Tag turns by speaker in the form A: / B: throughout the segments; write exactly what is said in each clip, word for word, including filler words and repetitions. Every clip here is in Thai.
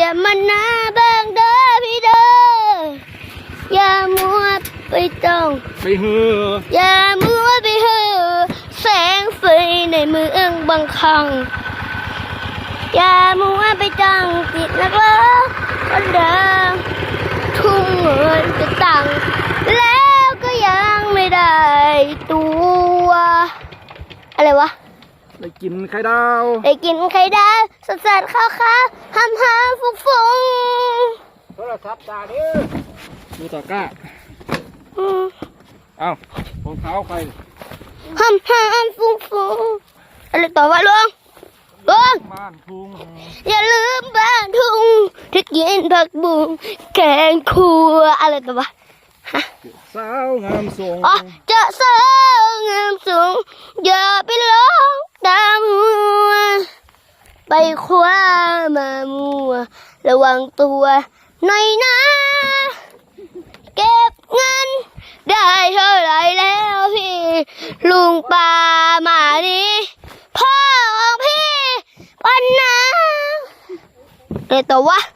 A: อย่ามันหน้าเบิ่งเด้อพี่เด้ออย่ามัวไปจ้อง
B: ไปเหือ
A: อย่ามัวไปเหือแสงไฟในเมืองบางครั้งอย่ามัวไปจ้องติดนักเลงคนเดิมทุ่มเงินจะตังแล้วก็ยังไม่ได้ตัวอะไรวะ
B: ได้กินไข่ดาว
A: ได้กินไข่ดาวสดสดข้าวข้าวห้ามห้ามฟุ้งฟุ้ง
B: โทรศัพท์ตาดิดูตะกร้าเอ้ารองเท้าใคร
A: ห้ามห้ามฟุ้งฟุ้งอะไรต่อวะลุงลุง
B: บ้านทุ่ง
A: อย่าลืมบ้านทุ่งที่กินผักบุ้งแกงคั่วอะไรต่อวะฮะ
B: สาวงามทรง
A: อ๋อเจาสาวงามสูงอย่าไปหลงตามหัวไปคว้ามามัวระวังตัวหน่อยนะเก็บเงินได้เท่าไรแล้วพี่ลุงป่ามานี่พ่อของพี่ปันนะเดี๋ยวตัววะ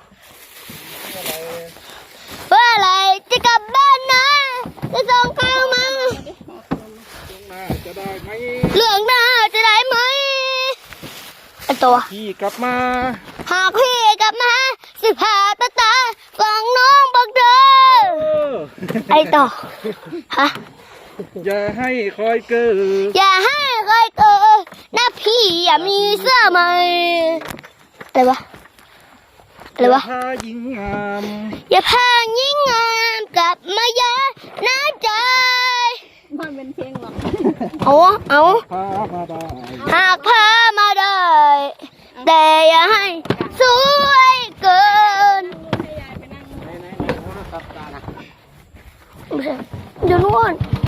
A: เมื่อไรจะกลับบ้านนะจะส่งข้าวมา
B: จะได้ไหม
A: เรื่องหน้าจะได้ไหมไอตัว
B: พี่กลับมา
A: หากพี่กลับมาสิพาตาตาฟังน้องบอกเธอไอต่อฮะ
B: อย่าให้คอยเกิด
A: อย่าให้คอยเกิดนะพี่อย่ามีเสื้อใหม่อะไรวะอะไรวะ
B: อย่าพายิงงาม
A: อย่าพายิงงามกลับมาเยอะน้าใจ
C: มันเป็นเพลงหรอ
A: เอาเอา
B: พามาได้
A: หากพามาได้แต่อย่าให้สวยเกินเดี๋ยวนู่น